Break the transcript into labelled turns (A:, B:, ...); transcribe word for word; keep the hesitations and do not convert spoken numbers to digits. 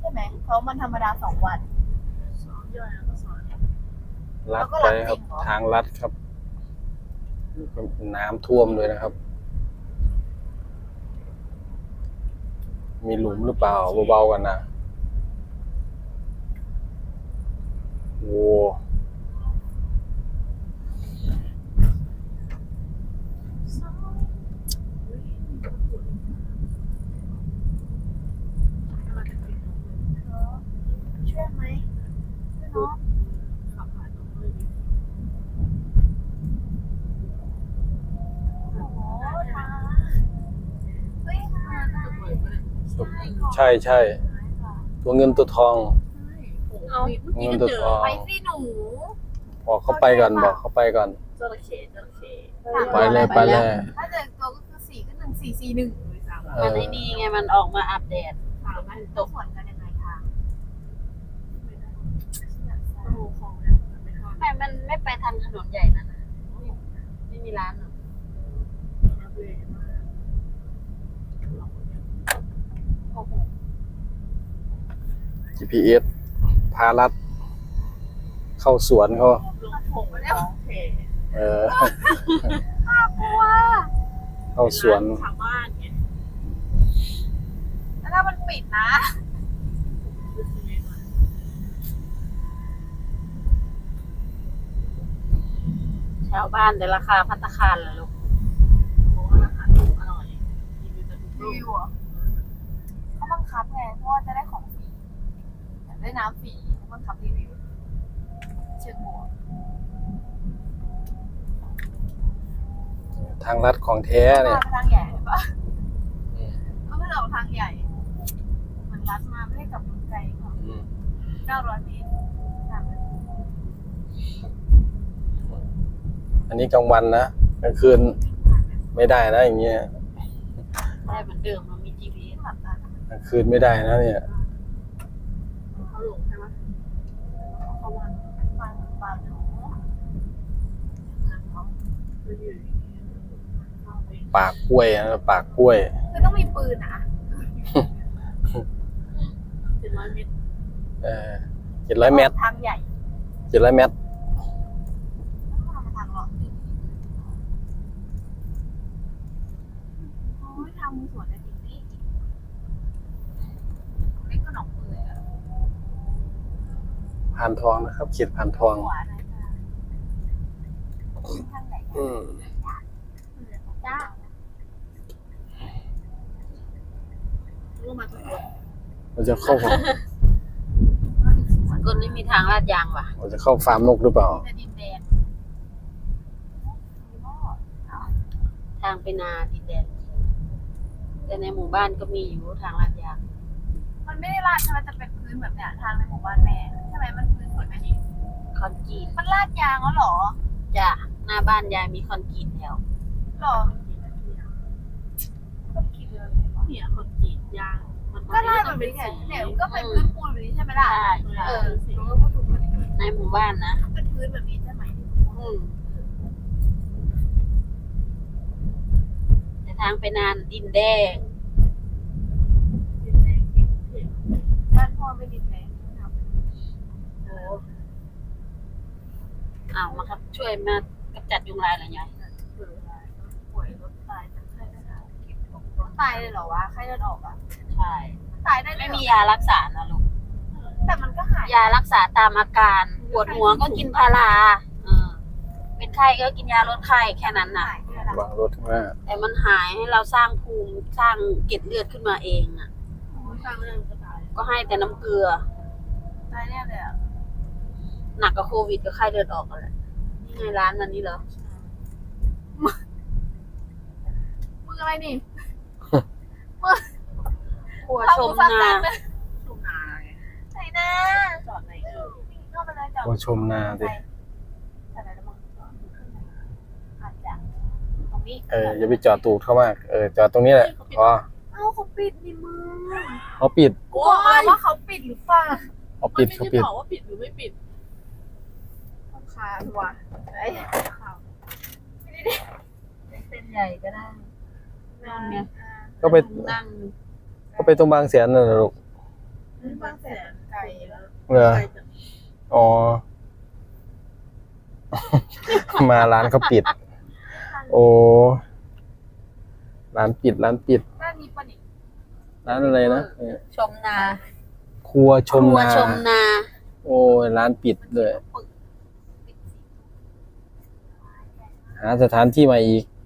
A: ช่ไหมเพราะมันธรรมดาสองวัน
B: สองย่อยแล้วก็สอน
C: ลัดไปครับทางลัดครับน้ำท่วมเลยนะครับมีหลุมหรือเปล่าเบาๆกันนะโว้
A: ช่วยไหมช่วยเนาะ
B: ขับผ่านตรงเลย
A: โอ้โหทางเฮ้ยทาง
B: จะเปิดก็ได้
C: ใช่ใช่ตัวเงินตัวทอง
B: เอาเมื่อกี้
C: เงิน
B: ก็
C: ตัว
B: เจอ
C: ทอง
A: ไปสิหนู
C: บอกเขาไปก่อนบอกเขาไปก่อน
B: จระเข้จระเข้
C: ไปเลยไปเลย
A: ถ้าเจอตัวก็คือสี่ก็หนึ่งสี่สี่หนึ่ง
C: เอ
D: มัน
C: อ
D: ไอ้นี่ไงมันออกมาอัปเดต
B: ถามมัน
A: ตกสวนกันยังไงทาง
B: โอ้ของเนี่ยไม่ทอด
D: ไม่มันไม่ไปทางถนนใหญ่นั่นนะไม่มีร้านหรอก
B: นักเรียนมาก
A: โอ้โห
C: จี พี เอส พาลัดเข้าสวนเขา
B: ลงผงมาแล้วเท
C: เออ
A: น่ากลัว
C: เข้าสวน
B: ชาวบ้านไง
A: แล้วถ้ามันปิดนะ
D: ชาวบ้านแต่ราคาภัตตาคารล่ะลูก
B: โอ้อาหารถูกอร่อยกินดูจะถูก
A: รีวิวเหรอเขาบังคับไงเพราะว่าจะได้ของฟรีอยากได้น้ำฟรีเขาบังคับรีวิวเชิงบวก
C: ทางลัดของแท้เนี่ย
A: มาทางใหญ่ปะก็ไม่เราทางใหญ่เหมือนรัดมาไม่ได้กลับไกลกว่า
C: อืม
A: เก้าร้อยเมตรสามนาที
C: อันนี้กลางวันนะกลางคืนไม่ได้นะอย่างเงี้ย
D: ได้เหมือนเดิมมันมี จี พี เอส
A: หลับตาก
C: ลางคืนไม่ได้นะเนี่ย
B: เขาหลงใช่ไหมเขาวัน
A: ฟังฟังหนู
B: คืออยู่เข้าไป
C: ปากกล้วยนะปากกล้วย
A: คือต้องมีปืนอ่ะ
B: เป็นร้อยเมตร
C: เออเจ็ดร้อยเมตร
A: ทางใหญ่
C: เจ็ดร้อยเมตร
A: ต้องมาทางหลอดโอ้ยทางมือสวนแต่จริงนี่เล็กก็หนองมือเลยอะ
C: ผ่านทองนะครับเขียดผ่านทอง
A: หัวนะจ๊ะทางไหน
C: อืม
A: จ้า
B: รู้มาทุกคน
C: เราจะเข้า
D: สกลนี่มีทางลาดยางว่ะ
C: เราจะเข้าฟาร์มนกหรือเปล่า
A: จะดินแดง
D: ทางไปนาดินแดงแต่ในหมู่บ้านก็มีอยู่ทางลาดยาง
A: มันไม่ได้ลาดใช่ไหมจะเป็นพื้นแบบเนี้ยทางในหมู่บ้านแม่ใช่ไหมมันพื้นสวยไหมนี่
D: คอนกรีต
A: มันลาดยางแล้วเหรอ
D: จ้ะหน้าบ้านยายมีคอนกรีตแล้ว
A: หรอก็คิดเลย
B: เนี่ยคนกรีดยางมัน
A: ก็ลาดแบบนี้ไงเนี่ยก็เป็นพื้นปูนแบบนี้ใช่ไหมล่ะ
D: ใช่
A: เอ
D: ใช่
A: อรู้ว่าถูกแบบนี้
D: ในหมู่บ้านนะ
A: เป็นพื้นแบบนี้ใช่ไหม
D: อืมแต่ทางไปนานดินแดง
B: ดินแดงเก็บเห็น
A: บ้านพ่อไม่ดินแดงนะครับ
D: โอ้อ้าวมาครับช่วยมากำจัดยุงลายเหรอยาย
B: เปิดได้
A: ป่วยรถตายจากไข้เลือดออกเก็บของรถตายเลยเหรอวะไข้เลือดออกอ่ะ
D: ใช่
A: ตายได้เลย
D: ไม่
A: เหรอ
D: มียารักษานะลูก
A: แต่มันก็หาย
D: ยารักษาตามอาการปวดหัวก็กินพาราเออเป็นไข้ก็กินยาลดไข้แค่นั้นน่ะ
A: หายเลยล่ะ
C: บางรถว่า
D: แต่มันหายให้เราสร้างภูมิสร้างเกล็ดเลือดขึ้นมาเองอ่ะ
B: สร้างเรื่องก็ตาย
D: ก็ให้แต่น้ำเกลือ
A: ตายแน่เลยอ่ะ
D: หนักกับโควิดก็ไข้เลือดออกกันแหละนี่ไงร้านมันนี่เหรอ
A: มึงอะไรนี่
D: ครัวชม
A: ทำ
D: นา
A: สั้นๆเลย
B: ทุ่งนาไง
A: ไหนนะ
B: จอดไหนเออ
A: เข้าไปเลยจอด
C: โอ้ชมนาดิ
A: ใช่ไหมละมึงจอดขึ้นไหนอาจจะตรงนี้
C: เอออย่าไปจอดตูดเข้ามากเออจอดตรงนี้แหละพอ
A: เอ้าเขาปิดนี่มึง
C: เขาปิด
A: กูบอกแล้วว่าเขาปิดหรือเปล่า
C: เขาปิดเขาปิด
B: บอกว่าปิดหรือไม่ปิด
A: ต้องคาว่ะไอ้ข่าว
D: เส้นใหญ่ก็ได้
A: นั่นไง
C: ก็ไป
D: นั่ง
C: ก็ไปตรงบางแสนน่ะลูก
A: อ
B: ที่บางแสน
A: ไกลแล้ว
C: เหรอ
B: ไกลจัง
C: อ๋อ มาร้านเขาปิด โอ้ร้านปิดร้านปิด
A: ด้านนี้ปะนี่
C: ร้านอะไรนะเนี่ย
D: ชมนา
C: ครัวชม
D: ครัว
C: นา
D: ชมนา
C: โอ้ยร้านปิดเลย
A: ปึกปิดสิ
C: หาสถานที่ใหม่อีก